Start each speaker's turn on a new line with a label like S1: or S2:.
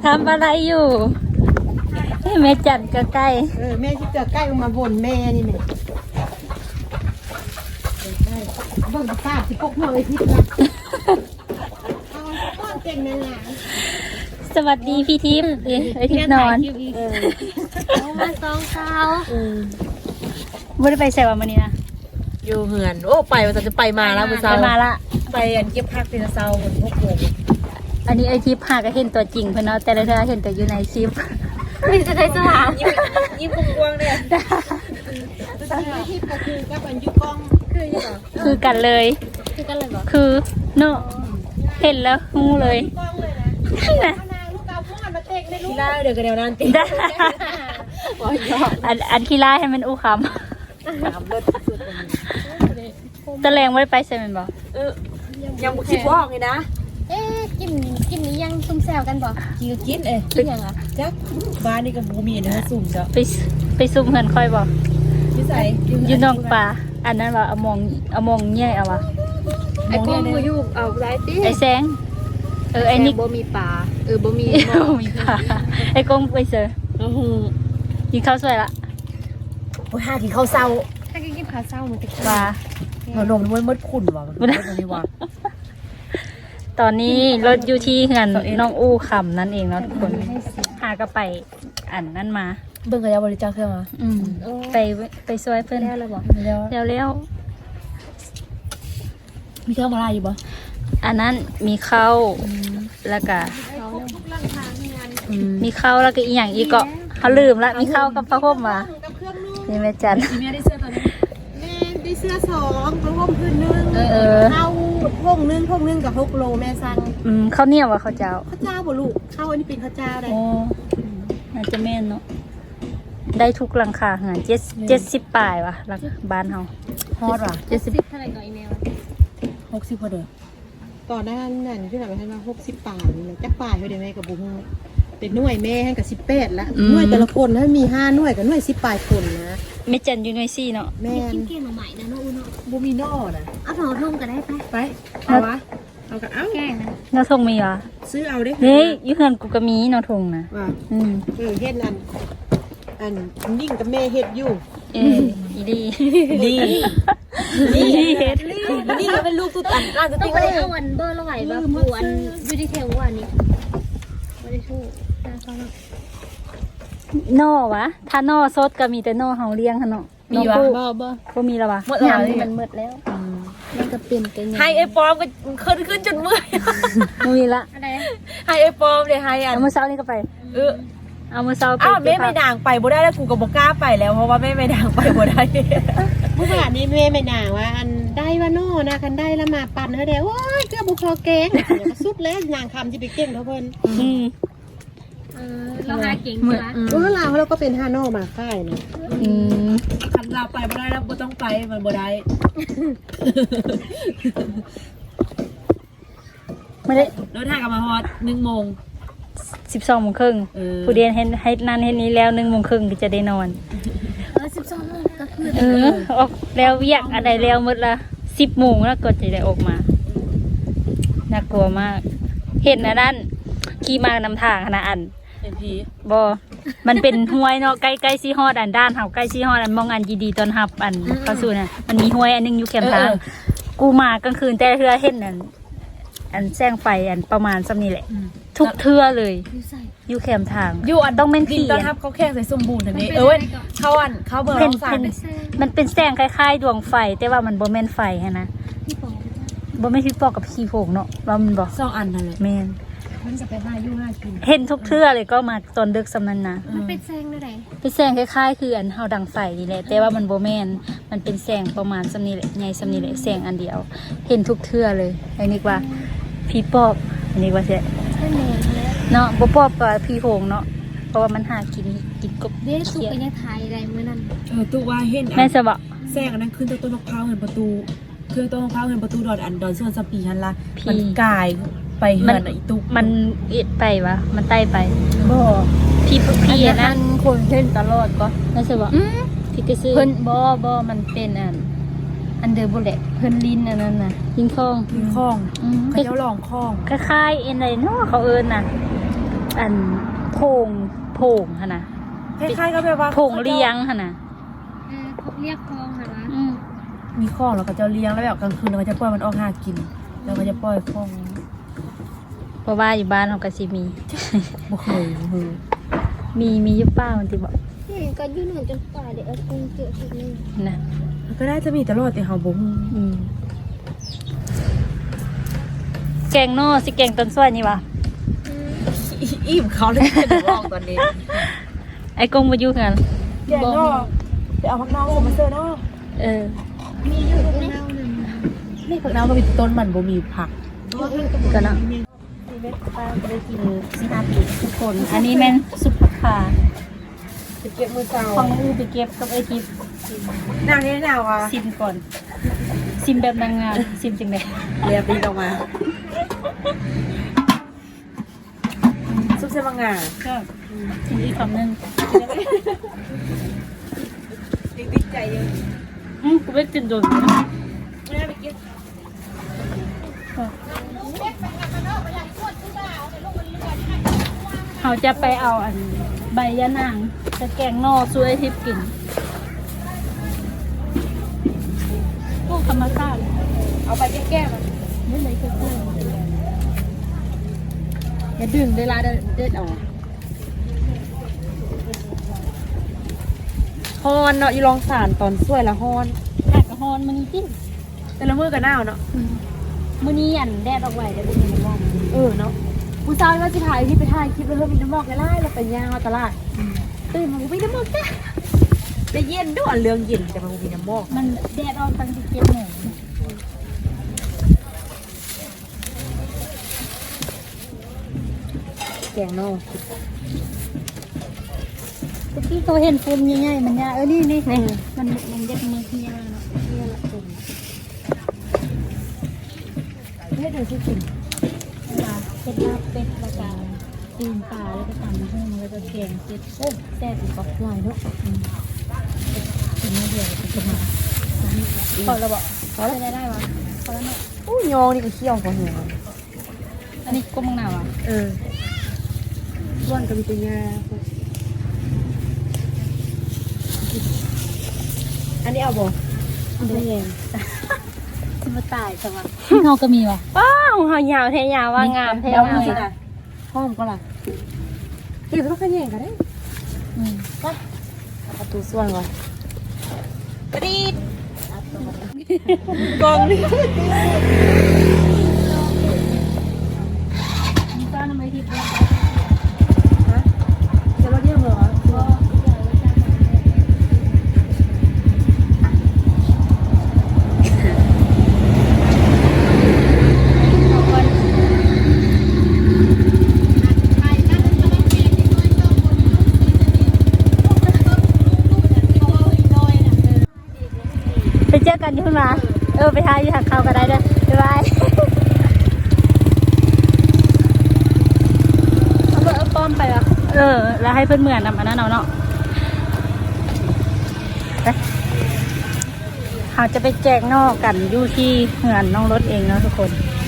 S1: ทำอะไรอยู่แม่จันก็ใกล้
S2: แม่ที่เกิดใกล้มาบ่นแม่นี่แม่เบิ่งภาพที่พกมาเลยทิพย์ละเอาเก่งนั่นแหละ
S1: สวัสดีพี่ทิพย์ไอทิพย์นอน
S3: มาสองเท้า
S1: ไม่ได้ไปใส่วันนี้นะ
S4: อยู่เหือนโอ้ไปว่าจะไปมาแล้วมื้อ
S1: ไป
S4: เช้า
S1: มาละ
S4: ไปอันเก็บผักเป็นเช้าบนพวกโป่ง
S1: อันนี้ไอทิพย์หาก็เห็นตัวจริงเพื่อนเนาะแต่ละเธอเห็นแต่อยู่ในคลิป
S3: ไม่จะได้สว่าง
S4: ยิ้มกว้างๆเนี่ย
S2: ทิพย์ก็คือกับอันยุกล้อง
S1: คือกันเลย
S3: คือกันเลยบอก
S1: คือเนาะเห็นแล้วงูเลย
S2: กล้องเลยนะ
S1: นะ
S2: นางลูกเอาพ่อมาเตะในลู
S4: ที
S2: ก
S4: แรกเดี๋ยวกันแนวนั้นติ
S1: ได้อันขี้ร้ายให้มันอู้ค
S4: ถามรถสุด
S1: ำตะแรงไม่ได้ไปใส่มันบอก
S4: ยังบ่คิดว่าออกเลยนะ
S3: เอ๊ะกินนี้ยังซุ่มแซวกันบอก
S4: กินเอ้
S3: กินยังอ่ะ
S4: จักบ้านนี่ก็บ่มีนะสุ่มจ้ะ
S1: ไปซุ่มเหินค่อยบอก
S4: นิสัย
S1: อยู่นองป่าอันนั้นว่าเอามองแย่เอาวะ
S3: ไอ้กงมืออยู่เอาได้ติ
S1: ไอแสงไอนิก
S3: บ่มีปลาบ่มี
S1: มีป่าไอกงไปเจอ
S4: โอ้โห
S1: กินข้าวสวยละ
S4: โอ้ยหากินข้าวเช้า
S3: ถ้ากินข้าวเช้ามันจะ
S1: ว่า
S4: มันนมมันมดขุ่นว่ะมันนี่ว่ะ
S1: ตอนนี้รถอยู่ที่เหือนน้องอู้คำนั่นเองเนาะทุกคนหาก็ไปอันนั่นมา
S4: เบิ่งกันแล้วบริจาคเครื่องมา
S1: ไปช่วยเพื่อน
S4: แล้วบอกแล้ว
S1: แล้ว
S4: มีเครื่องมาลายอยู่ปะ
S1: อันนั้นมีข้าวแล้วก็มีข้าวแล้วก็อีกอย่างอีกก็เขาลืมละมีข้าวกับพระพรมมา
S2: กับเครื่องนุ่ง
S1: นี่แม่จัน
S4: แม่ได้เสื้อตัวนี้
S2: แม่ได้เสื้อ2กระห่มพื้นนึง เข้าพงนึงกับ6 โลแม่สั่ง
S1: ข้าวเหนียวว่ะข้าวเจ้า
S2: ข้าวเจ้าบ่ลูกข้าวอันนี้เป็นข้าวเจ้าได้
S1: โอ้น่าจะแม่นเนาะได้ทุกหลังคาหาร70 ปลายว่ะหลังบ้านเฮา
S4: ฮอตว่ะ
S3: เท่าไหร่ก่อนอีเมล
S4: 60พอเด้อ
S2: ก่อนหน้านั้นที่แบบว่า60 ป่ายนี่แหละจักป่ายเฮาได้แม่กับบ่ฮู้เป็นหน่วยแม่ให้กับ18ละหน่วยแต่ละคนถ้ามี5หน่วยกับหน่วย10 ป่ายคนนะ
S1: แม่จันอยู่หน่วยซี่เนาะ
S2: แม่
S3: กินเกลียงใหม่นะน้องอุ้น
S4: บ่มีนอนะ
S3: เอาหน่อทุ่งก็ได้ไป
S4: ไปเอาวะเอากันเอ้า
S3: แกงนะ
S1: เนาะทงมีว่ะ
S2: ซื้อเอาเด้
S1: เฮ้ยอยู่เฮือนกูก็มีเนาะทงนะ
S2: ว่า
S1: เ
S2: เฮ็ดอันยิ่งกับแม่เฮ็ดอยู่
S1: อีดี
S4: ดี
S1: เฮ็ด
S4: นี่ก็เป็นลูกตุ๊ดอันร้านตุ๊ด
S3: ต้อ
S4: ติ๊
S3: ง
S4: ก
S3: ไป
S4: เลย
S3: เอาวันเบอร์ละไหวแบบปวนยูดีเทลวันนี้ไม่ได้ชู้น่าฟัง
S1: นอวะถ้านอสดก็มีแต่นอเฮาเลี้ยงหั่นเนาะ
S4: มีวะ
S1: บ่มีแล้ววะ
S4: หมดแล้ว
S1: ยำมันหมดแล้วมันก็เป็นไป
S4: ให้ไอ้ปอมก็ขึ้นจนเมื่อย
S1: บ่มีละ
S3: อะไร
S4: ให้ไอ้ปอมเลยให้อัน
S1: เอามื้อเช้านี่ก็ไป เอามื้อเช้าไป
S4: อ้าวแม่ไม่ด่างไปบ่ได้แล้วกูก็บ่กล้าไปแล้วเพราะว่าแม่ไม่ด่างไปบ่ได้
S2: เมื่อวานนี้แม่ไม่น่าว่าอันได้ว่าโน่นะคันได้แล้วมาปั่นเฮาได้โอ้ยเกือบบ่พอแกงเดี๋ยวก็สุดแล้วนางคำที่ไปเก่งเท่าเพิ่น
S3: เราหาเก่งใช่ไหม
S2: ลาวเราก็เป็น5โน่มาค่ายนะ
S4: คันเราไปบ่ได้แล้วบ่ต้องไปมันบ่ได้
S1: ไม่ได้
S4: รถทางกับมาฮอด1:00 น
S1: 12:30นผู้เรียนเฮ็ดให้นั่นเฮ็ดนี้แล้ว1:30นก็จะได้นอน
S3: 12 โมงก็คือ
S1: ออกแล้วเวียกอะไรแล้วหมดละ10 โมงแล้วก็จะได้ออกมาน่ากลัวมาก เห็นอันนั้นขี่มานำทางขนาดอัน
S4: เป็นผี
S1: บมันเป็นห้วยเนาะใกล้ๆซีฮอดอันด้านเฮาใกล้ซีฮอดอันมองอันดีๆตอนหับอันเข้าสู่น่ะมันมีห้วยอันนึงอยู่แคมทางกูมากลางคืนแต่เทื่อเห็นอันแสงไฟอันประมาณซำนี้แหละ ทุกเทื่อเลย
S3: อยู่ใส่
S1: อยู่แคมทาง
S4: อยู่อัน
S1: ต้องเป็น
S4: ดิ
S1: ผี
S4: นต้อนรับเขาแข่งใส่สมบูรณ์ทันนี้เว้ยเขาอันเขาเบอร์
S1: เป็น
S4: เราสั่ง
S1: มันเป็นแสงคล้ายๆดวงไฟ แต่ว่ามันบ่แม่นไฟฮะนะ
S3: พี่ปอ
S1: บ่แม่นพี่ปอกกับขี้โผงเนาะว่ามันบ่
S4: 2 อันนั่นแหละ
S1: แม่น
S3: มันจะไปหาอยู่หากิน
S1: เห็นทุกเทื่อเลยก็มาตอนดึกสำนั้นนะ
S3: มันเป็นแซงได้ไหน
S1: เป็นแสงคล้ายๆคืออันเฮาดังไฟนี่แหละแต่ว่ามันบ่แม่นมันเป็นแสงประมาณซำนี้แหละใหญ่ซำนี้แหละแสงอันเดียว เห็นทุกเทื่อเลยไอ้นี่ว่าพี่ปอบอันนี้ว่าใช่
S3: ใช่แมงแล้ว
S1: เนาะบ่ปอบกับพี่โผงเนาะเพราะว่ามันหากินกบ
S3: เดี๋ยวตุกไปยังไทยได้เมื่อนั้น
S4: ตู้ว่าเห็น
S1: แม่จะบอก
S4: แซงอันนั้นขึ้นต้นมะพร้าวเห็นประตูคือต้นมะพร้าวเห็นประตูดอนส่วนสปีหันละมันกายไปเหือนอีตุก
S1: มันเอ็ดไปวะมันใต้ไป
S4: บ่
S1: พี่อะนะ
S3: คนเล่นตลอดก็
S1: แม่จะบอกพี่ก็ซื้อเพิ่นบ่มันเป็นอันเดอร์บุลเลตเพิ่นลิ้นอันนั้นน่ะลิ้นคอง
S4: มีคล้องเขาเจ้าหลองคล้อง
S1: คล้ายๆเอ็นอะไรเนาะเขาเอิ้นน่ะอันโพงหั่นน่ะ
S4: คล้ายๆก็แบบว่า
S1: โพงเลี้ยงหั่นน่ะ
S3: เขาเรียกคลองเหรอวะ
S4: มีข้องแล้วก็จะเลี้ยงแล้วแบบกลางคืนเราก็จะปล่อยมันออกหากิน แล้วก็จะปล่อยข้อง
S1: เพราะว่าอยู่บ้านเขาก็สิมี
S4: บ่เคยฮู้
S1: มีอยู่ป้ามันที่บอก
S3: ก็ยืนหนุนจนป่าเดี๋ยวเอาคงเจอทีนึง
S1: นะ
S4: มันก็น่าจะมีตลอดแต่เฮาบ่ฮู้
S1: แกงนอสิแกงต้นส้วยนี่วะ
S4: อิ่มเขาเลยจะบอกตอนนี้
S1: ไอ้กงมาอยู่กัน
S4: แกงนอกไปเอาผักนอกมาเสิร์ฟนอก
S3: มีอยู่ตรงนี้
S4: นี่ผักนอกก็มีต้นมันบ่มีผัก
S1: กันเนาะ
S4: ชีวิตป้าก็ได้กิน4-5 ปีทุกคน
S1: อันนี้แม่นซุปผักขา
S4: ไปเก็บมือเก่า
S1: ของอูไปเก็บกับไอ้ทิพย์
S4: นางนี่นาวอ่ะ
S1: ซิมก่อนซิมแบบนางงามซิมจังได
S4: เรียบดีออกมาซุปเส้นบางงา
S1: ก็กินอีกคำหนึง
S4: ติดใจเยอะ
S1: กูไม่กินโดน
S4: ไม่ได้ไปกิน
S1: เขาจะไปเอาอันใบยะนางจะแกงนอซุยไอ้ทิพย์กินพวกธรรมชาติ
S4: เอาไปแก้ๆมัน
S1: ไม่เลยก็เพื่อน
S4: อย่าดึงเวลาเด็ดออกฮอนเนาะอยู่ลองสารตอนสวยละฮอน
S1: ผักกระฮอนมันนี่จิ้ม
S4: แต่ละมือกับหน้าเนาะ
S1: มื้อนี้อันแดดออกไว้เดี๋ยวเป็นยังไงบ้าง
S4: เนาะผู้ชายว่าจะถ่ายที่ไปถ่ายคลิปแล้วเพิ่มมีน้ำหมอกไล่เราไปย่างมาตลาดตื่นมามีน้ำหมอกจ้ะจะเย็นด้วยเรื่องเย็นแต่มันมีน้ำหมอก
S1: มันแดดออกตั้ง17 โมง
S4: แกงนอก
S1: ตะกี้เขาเห็นปุ่มใหญ่ๆมันยานี่มันเด็ดมือที่ยาเนาะนี่ละปุ่ม
S4: ให้ดูสิกิน
S1: เป็นลาบเป็ดแล้วก็ตีนปลาแล้วก็ตำหุ้งแล้วก็แกงเผ็ดโอ้แซ่บอีกบอกลายเนาะกินไม่เดียวจะกินมาพอแล้วบอกพอแล้วได้วะพอแล้วเนาะ
S4: อู้ยองนี่ก็เคี่ยวกว่าหัว
S1: อันนี้ก้มมังนาวอ่ะ
S4: ร่วนกับมีตัวงาอันนี้เอาบ่ไม่แยง
S1: มาตายจังวะเขาก็มีวะป้าวเขายาวแท้ยาวว่างามแท้
S4: เดี๋ยว
S1: งาม
S4: มือน่ะห้อมก็ล่ะเก็บแล้วก็แยงกันได้ประตูส่วนก่อนกระดิ่งกองนี่
S1: มีต้านทำไมทิพย์
S4: จะรถเยี่ยมเหรอ
S1: ไปเจอกันที่พุ่นมาไปทายอยู่ทางเขาก็ได้เด้อบ๊ายบายเอาป้อมไปวะแล้วให้เพื่อนเหมือนนำอันนั้นเอาเนาะไปเขาจะไปแจกนอกกันอยู่ที่เหือนน้องรถเองเนาะทุกคน